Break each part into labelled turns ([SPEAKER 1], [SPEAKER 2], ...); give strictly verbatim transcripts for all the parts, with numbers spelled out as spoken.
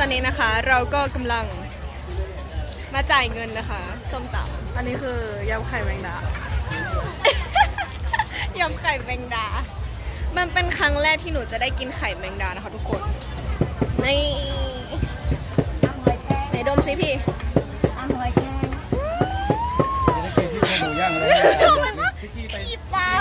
[SPEAKER 1] อนนี้นะคะเราก็กำลังมาจ่ายเงินนะคะส้มตำ
[SPEAKER 2] อันนี้คือยำไข่แมงดา
[SPEAKER 1] ยำไข่แมงดา มันเป็นครั้งแรกที่หนูจะได้กินไข่แมงดานะคะทุกคนนี่ไหนดมสิพี่ขีบตา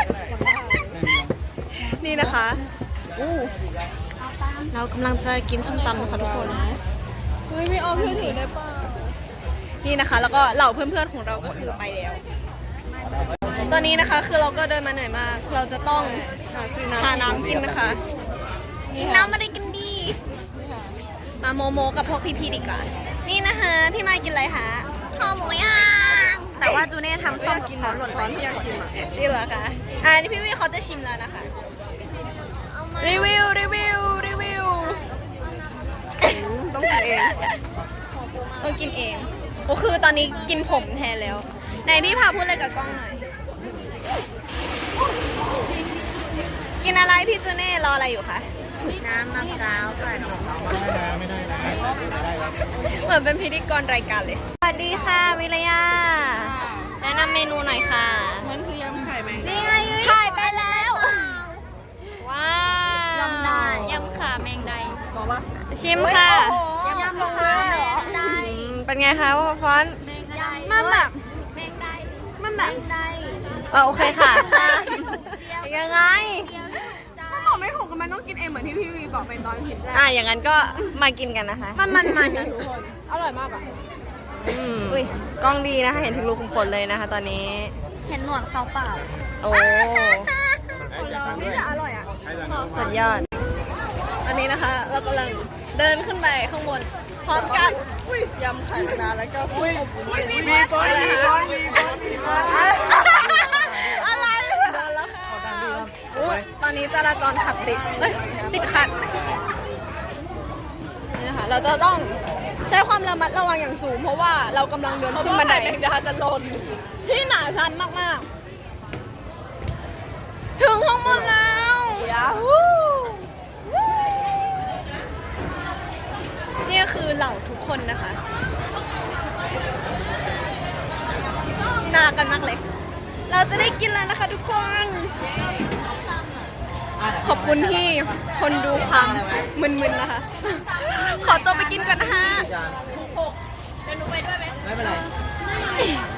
[SPEAKER 1] นี่นะคะอู้เรากำลังจะกินส้มตำนะคะทุกคนเฮ้ยไม่เอาเพื่อนถือได้ป่ะนี่นะคะแล้วก็เหล่าเพื่อนๆของเราก็คือไปแล้วตอนนี้นะคะคือเราก็เดินมาเหนื่อยมากเราจะต้องหาน้ำกินนะคะน้ำมาได้กินดีมาโมโมกับพวกพี่ๆดีกว่านี่นะคะพี่มากินอะไรคะข้าวหมูย่างแต่ว่าจูเน่ทำส้มกินหล่นร้อนพี่อยากชิมอ่ะนี่เหรอคะอ่านี่พี่วิเขาจะชิมแล้วนะคะรีวิวรีวิวรีวิว
[SPEAKER 2] ต้องกินเอง
[SPEAKER 1] ต้องกินเองก็คือตอนนี้กินผมแทนแล้วไหนพี่พาพูดอะไรกับกล้องหน่อยกินอะไรพี่จูเน่รออะไรอยู่คะน้ำมะพร้าวก่อนเหมือนเป็นพิธีกรรายการเลยสวัสดีค่ะวิรยาแนะนำเมนูหน่อยค่ะ
[SPEAKER 2] มันคือยำไข่แมงดา
[SPEAKER 1] นี่ไงถ่ายไปแล้วว้าวย
[SPEAKER 2] ำได้
[SPEAKER 3] ยำขาแมงได
[SPEAKER 2] บอกว่า
[SPEAKER 1] ชิมค่ะ
[SPEAKER 2] ยำมะพร้าวเหรอ
[SPEAKER 1] อืมเป็นไงคะว่าฟอน
[SPEAKER 3] แมงได
[SPEAKER 1] มันแบบ
[SPEAKER 3] แมงได
[SPEAKER 1] มันแบบเออโอเคค่ะยังไง
[SPEAKER 2] ถ้าบอกไม่ถูกก็มันต้องกินเองเหมือนที่พี่วีบอกไปตอนคลิปแรก
[SPEAKER 1] อ่ะอย่างนั้นก็มากินกันนะคะ
[SPEAKER 2] มันมันมันนะทุกคน อร่อยมากอ่ะ
[SPEAKER 1] อืมกล้องดีนะคะ เห็นถึงรูขุมขนเลยนะคะ ตอนนี้
[SPEAKER 2] เห็นหนวดเขาเปล่า
[SPEAKER 1] โอ้
[SPEAKER 2] นี่แต่อร่อยอ่ะ
[SPEAKER 1] สุดยอดอันนี้นะคะ เรากำลังเดินขึ้นไปข้างบน พร้อมกันยำไข่แมงดาแล้วก็กุ้งอบวุ้นเส้น
[SPEAKER 4] มีบอลมีบอลมีบอลมีบอล
[SPEAKER 1] อะไรเดินแล้วค่ะอุ๊ยตอนนี้จราจรขัดติดเอ้ยติดขัดนี่นะคะเราจะต้องใช้ความระมัดระวังอย่างสูง เพราะว่าเรากำลังเดินขึ้นบันไดแมงดาจะหล่นที่หนาชันมากๆถึงข้างบนแล้วยาฮูนี่คือเหล่าทุกคนนะคะน่ารักกันมากเลยเราจะได้กินแล้วนะคะทุกคน ขอบคุณที่คนดูความมึนๆนะคะ ขอตัวไปกินก่อนนะคะหกเดี๋ยวหนูไปด้วยไหม
[SPEAKER 4] ไม่เป็นไร